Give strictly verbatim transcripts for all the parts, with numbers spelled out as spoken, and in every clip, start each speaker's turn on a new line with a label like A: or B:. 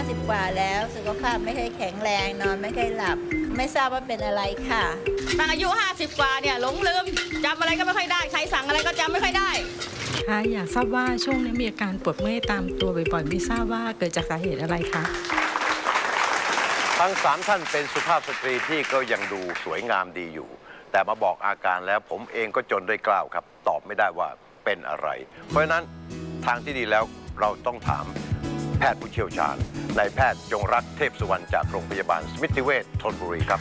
A: สิบกว่าแล้วสุขภาพไม่ค่อยแข็งแรงนอนไม่ค่อยหลับไม่ทราบว่าเป็นอะไรค่ะ
B: ตั้งอายุห้าสิบกว่าเนี่ยหลงลืมจำอะไรก็ไม่ค่อยได้ใครสั่งอะไรก็จำไม่ค่อยได้
C: ค่ะอยากทราบว่าช่วงนี้มีอาการปวดเมื่อยตามตัวบ่อยๆไม่ทราบว่าเกิดจากสาเหตุอะไรคะ
D: ทั้งสามท่านเป็นสุภาพสตรีที่ก็ยังดูสวยงามดีอยู่แต่มาบอกอาการแล้วผมเองก็จนด้วยกล้าวครับตอบไม่ได้ว่าเป็นอะไรเพราะฉะนั้นทางที่ดีแล้วเราต้องถามแพทย์ผู้เชี่ยวชาญนายแพทย์จงรักเทพสุวรรณจากโรงพยาบาลสมิติเวชธนบุรีครับ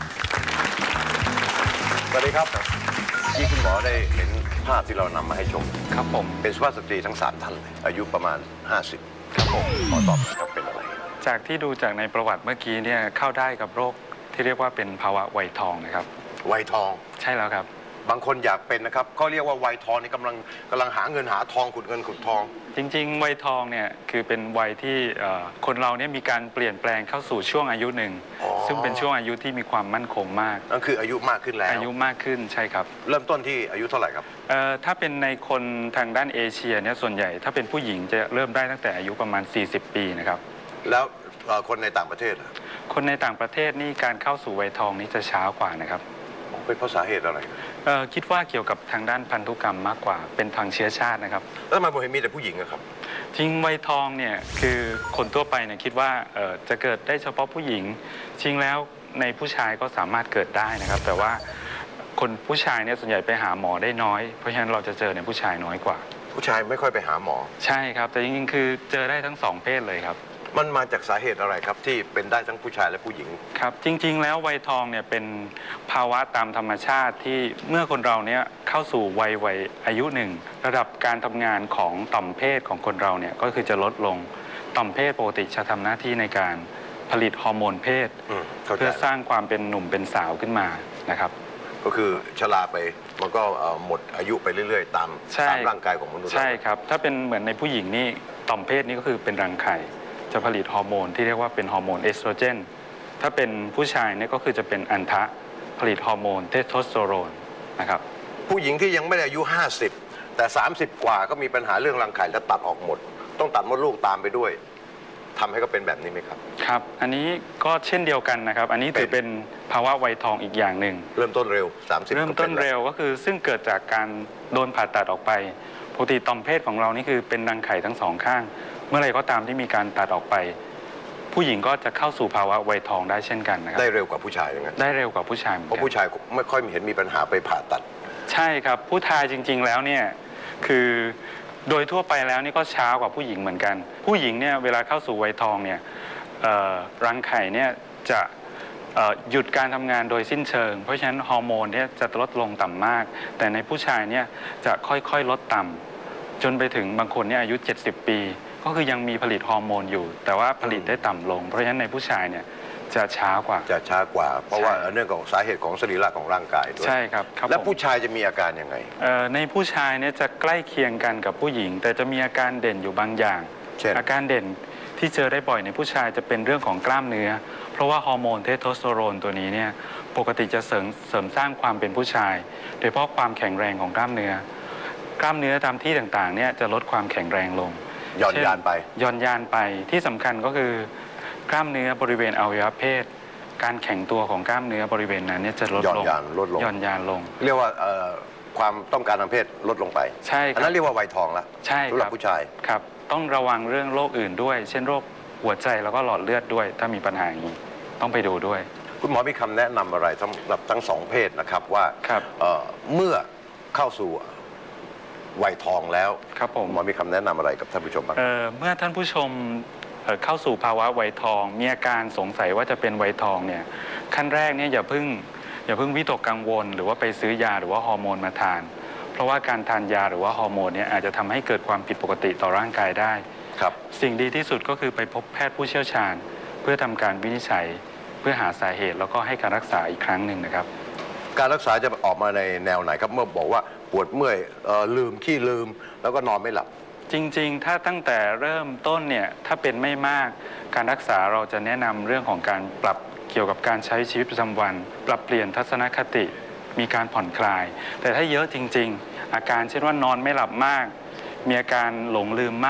D: สวัสดีครับที่คุณหมอได้เห็นภาพที่เรานำมาให้ชม
E: ครับผม
D: เป็นสุภาพสตรีทั้งสามท่านเลยอายุประมาณห้าสิบครับผมขอตอบครับเป็นอะไร
E: จากที่ดูจากในประวัติเมื่อกี้เนี่ยเข้าได้กับโรคที่เรียกว่าเป็นภาวะวัยทองนะครับ
D: วัยทอง
E: ใช่แล้วครับ
D: บางคนอยากเป็นนะครับเขาเรียกว่าวัยทองนี่กำลังกำลังหาเงินหาทองขุดเงินขุดทอง
E: จริงๆวัยทองเนี่ยคือเป็นวัยที่คนเราเนี่ยมีการเปลี่ยนแปลงเข้าสู่ช่วงอายุหนึ่งซึ่งเป็นช่วงอายุที่มีความมั่นคงมาก
D: นั่นคืออายุมากขึ้นแล้ว
E: อายุมากขึ้นใช่ครับ
D: เริ่มต้นที่อายุเท่าไหร่ครับ
E: ถ้าเป็นในคนทางด้านเอเชียเนี่ยส่วนใหญ่ถ้าเป็นผู้หญิงจะเริ่มได้ตั้งแต่อายุประมาณสี่สิบปีนะครับ
D: แล้วคนในต่างประเทศ
E: คนในต่างประเทศนี่การเข้าสู่วัยทองนี้จะช้ากว่านะครับ
D: เป็นเพราะสาเหตุอะไร
E: คิดว่าเกี่ยวกับทางด้านพันธุกรรมมากกว่าเป็นทางเชื้อชาตินะครับ
D: แล้วทำไมผมเห็นมีแต่ผู้หญิงครับ
E: จริงวัยทองเนี่ยคือคนทั่วไปเนี่ยคิดว่าจะเกิดได้เฉพาะผู้หญิงจริงแล้วในผู้ชายก็สามารถเกิดได้นะครับแต่ว่าคนผู้ชายเนี่ยส่วนใหญ่ไปหาหมอได้น้อยเพราะฉะนั้นเราจะเจอในผู้ชายน้อยกว่า
D: ผู้ชายไม่ค่อยไปหาหมอ
E: ใช่ครับแต่จริงๆคือเจอได้ทั้งสองเพศเลยครับ
D: มันมาจากสาเหตุอะไรครับที่เป็นได้ทั้งผู้ชายและผู้หญิง
E: ครับจริงๆแล้ววัยทองเนี่ยเป็นภาวะตามธรรมชาติที่เมื่อคนเราเนี่ยเข้าสู่วัยวัยอายุหนึ่งระดับการทำงานของต่อมเพศของคนเราเนี่ยก็คือจะลดลงต่อมเพศปกติจะทำหน้าที่ในการผลิตฮอร์โมนเพศเพื่อสร้างความเป็นหนุ่มเป็นสาวขึ้นมานะครับ
D: ก็คือชราไปมันก็หมดอายุไปเรื่อยๆตามตามร่างกายของมนุษย์
E: ใช่ครับถ้าเป็นเหมือนในผู้หญิงนี่ต่อมเพศนี่ก็คือเป็นรังไข่จะผลิตฮอร์โมนที่เรียกว่าเป็นฮอร์โมนเอสโตรเจนถ้าเป็นผู้ชายเนี่ยก็คือจะเป็นอันทะผลิตฮอร์โมนเทสโทสเตอโรนนะครับ
D: ผู้หญิงที่ยังไม่ได้อายุห้าสิบแต่สามสิบกว่าก็มีปัญหาเรื่องรังไข่แล้วตัดออกหมดต้องตัดมดลูกตามไปด้วยทำให้เขาเป็นแบบนี้ไหมครับ
E: ครับอันนี้ก็เช่นเดียวกันนะครับอันนี้ถือเป็นภาวะวัยทองอีกอย่างหนึ่ง
D: เริ่มต้นเร็วสามสิบ
E: เริ่มต้นเร็วก็คือซึ่งเกิดจากการโดนผ่าตัดออกไปปกติต่อมเพศของเรานี่คือเป็นรังไข่ทั้งสองข้างเมื่อไรก็ตามที่มีการตัดออกไปผู้หญิงก็จะเข้าสู่ภาวะวัยทองได้เช่นกันนะครับ
D: ได้เร็วกว่าผู้ชายอย่างนั้น
E: ได้เร็วกว่าผู้ชาย
D: เพราะผู้ชายไม่ค่อยเห็นมีปัญหาไปผ่าตัด
E: ใช่ครับผู้ชายจริงๆแล้วเนี่ยคือโดยทั่วไปแล้วนี่ก็ช้ากว่าผู้หญิงเหมือนกันผู้หญิงเนี่ยเวลาเข้าสู่วัยทองเนี่ยรังไข่เนี่ยจะหยุดการทำงานโดยสิ้นเชิงเพราะฉะนั้นฮอร์โมนเนี่ยจะลดลงต่ำมากแต่ในผู้ชายเนี่ยจะค่อยๆลดต่ำจนไปถึงบางคนเนี่ยอายุเจ็ดสิบปีก็คือยังมีผลิตฮอร์โมนอยู่แต่ว่าผลิตได้ต่ำลงเพราะฉะนั้นในผู้ชายเนี่ยจะช้ากว่า
D: จะช้ากว่าเพราะว่าเนื่องจากสาเหตุของสรีระของร่างกายด้วย
E: ใช่ครับ
D: แล้วผู้ชายจะมีอาการยังไง
E: ในผู้ชายเนี่ยจะใกล้เคียงกันกับผู้หญิงแต่จะมีอาการเด่นอยู่บางอย่างอาการเด่นที่เจอได้บ่อยในผู้ชายจะเป็นเรื่องของกล้ามเนื้อเพราะว่าฮอร์โมนเทสโทสเตอโรนตัวนี้เนี่ยปกติจะเสริมเสริมสร้างความเป็นผู้ชายโดยเฉพาะความแข็งแรงของกล้ามเนื้อกล้ามเนื้อตามที่ต่างๆเนี่ยจะลดความแข็งแรงลง
D: ย่อนยานไป
E: ย่อนยานไปที่สำคัญก็คือกล้ามเนื้อบริเวณอวัยวะเพศการแข็งตัวของกล้ามเนื้อบริเวณนั้นเนี่ยจะลดลง
D: ย่อนยานลดลง
E: ย่อนยานลง
D: เรียกว่าความต้องการทางเพศลดลงไป
E: ใช่ครับอัน
D: นั้นเรียกว่าวัยทองแล้ว
E: ใช่
D: สำหรับผู้ชาย
E: ครับต้องระวังเรื่องโรคอื่นด้วยเช่นโรคหัวใจแล้วก็หลอดเลือดด้วยถ้ามีปัญหาอย่างนี้ต้องไปดูด้วย
D: คุณหมอมีคำแนะนำอะไรสำหรับทั้งสองเพศนะครับว่าเมื่อเข้าสู่วัยทองแล้ว
E: ครับผม
D: หมอมีคำแนะนำอะไรกับท่านผู้ชมบ้าง
E: เมื่อท่านผู้ชมเข้าสู่ภาวะวัยทองมีอาการสงสัยว่าจะเป็นวัยทองเนี่ยขั้นแรกเนี่ยอย่าเพิ่งอย่าเพิ่งวิตกกังวลหรือว่าไปซื้อยาหรือว่าฮอร์โมนมาทานเพราะว่าการทานยาหรือว่าฮอร์โมนเนี่ยอาจจะทำให้เกิดความผิดปกติต่อร่างกายได้
D: ครับ
E: สิ่งดีที่สุดก็คือไปพบแพทย์ผู้เชี่ยวชาญเพื่อทำการวินิจฉัยเพื่อหาสาเหตุแล้วก็ให้การรักษาอีกครั้งหนึ่งนะครับ
D: การรักษาจะออกมาในแนวไหนครับเมื่อบอกว่าปวดเมื่อยลืมขี้ลืมแล้วก็นอนไม่หลับ
E: จริงๆถ้าตั้งแต่เริ่มต้นเนี่ยถ้าเป็นไม่มากการรักษาเราจะแนะนำเรื่องของการปรับเกี่ยวกับการใช้ชีวิตประจำวันปรับเปลี่ยนทัศนคติมีการผ่อนคลายแต่ถ้าเยอะจริงๆอาการเช่นว่านอนไม่หลับมากมีอาการหลงลืมมาก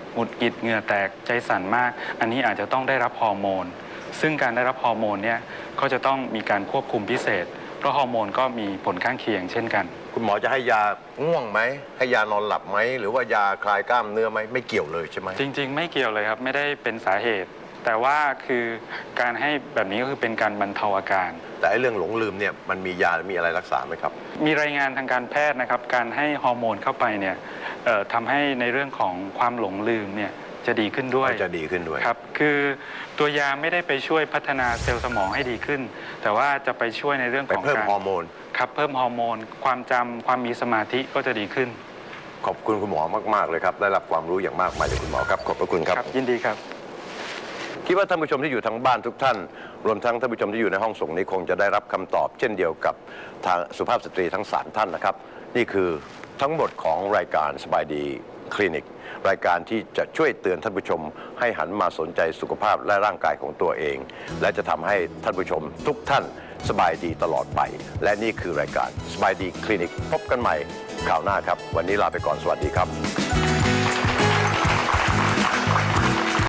E: หงุดหงิดเหงื่อแตกใจสั่นมาก อันนี้อาจจะต้องได้รับฮอร์โมนซึ่งการได้รับฮอร์โมนเนี่ยก็จะต้องมีการควบคุมพิเศษเพราะฮอร์โมนก็มีผลข้างเคียงเช่นกัน
D: คุณหมอจะให้ยาง่วงไหมให้ยานอนหลับไหมหรือว่ายาคลายกล้ามเนื้อไหมไม่เกี่ยวเลยใช่ไหม
E: จริงๆ ไม่เกี่ยวเลยครับไม่ได้เป็นสาเหตุ แต่ว่าคือการให้แบบนี้ก็คือเป็นการบรรเทาอาการ
D: แต่ไอ้เรื่องหลงลืมเนี่ยมันมียามีอะไรรักษาไหมครับ
E: มีรายงานทางการแพทย์นะครับการให้ฮอร์โมนเข้าไปเนี่ยเอ่อทำให้ในเรื่องของความหลงลืมเนี่ยจะดีขึ้นด้วย
D: จะดีขึ้นด้วย
E: ครับคือตัวยาไม่ได้ไปช่วยพัฒนาเซลล์สมองให้ดีขึ้น แต่ว่าจะไปช่วยในเรื่อง
D: ไป
E: ของ
D: เพิ่ม
E: การ
D: ฮอร์โมน
E: ครับเพิ่มฮอร์โมนความจำความมีสมาธิก็จะดีขึ้น
D: ขอบคุณคุณหมอมากๆเลยครับได้รับความรู้อย่างมากมายจากคุณหมอครับขอบพระคุณครับ
E: ยินดีครับ
D: คิดว่าท่านผู้ชมที่อยู่ทางบ้านทุกท่าน รวมทั้งท่านผู้ชมที่อยู่ในห้องส่งนี้คงจะได้รับคำตอบเช่นเดียวกับทางสุภาพสตรีทั้งสามท่านนะครับนี่คือทั้งหมดของรายการสบายดีคลินิกรายการที่จะช่วยเตือนท่านผู้ชมให้หันมาสนใจสุขภาพและร่างกายของตัวเอง และจะทำให้ท่านผู้ชมทุกท่านสบายดีตลอดไป และนี่คือรายการสบายดีคลินิกพบกันใหม่คราวหน้าครับวันนี้ลาไปก่อนสวัสดีครับ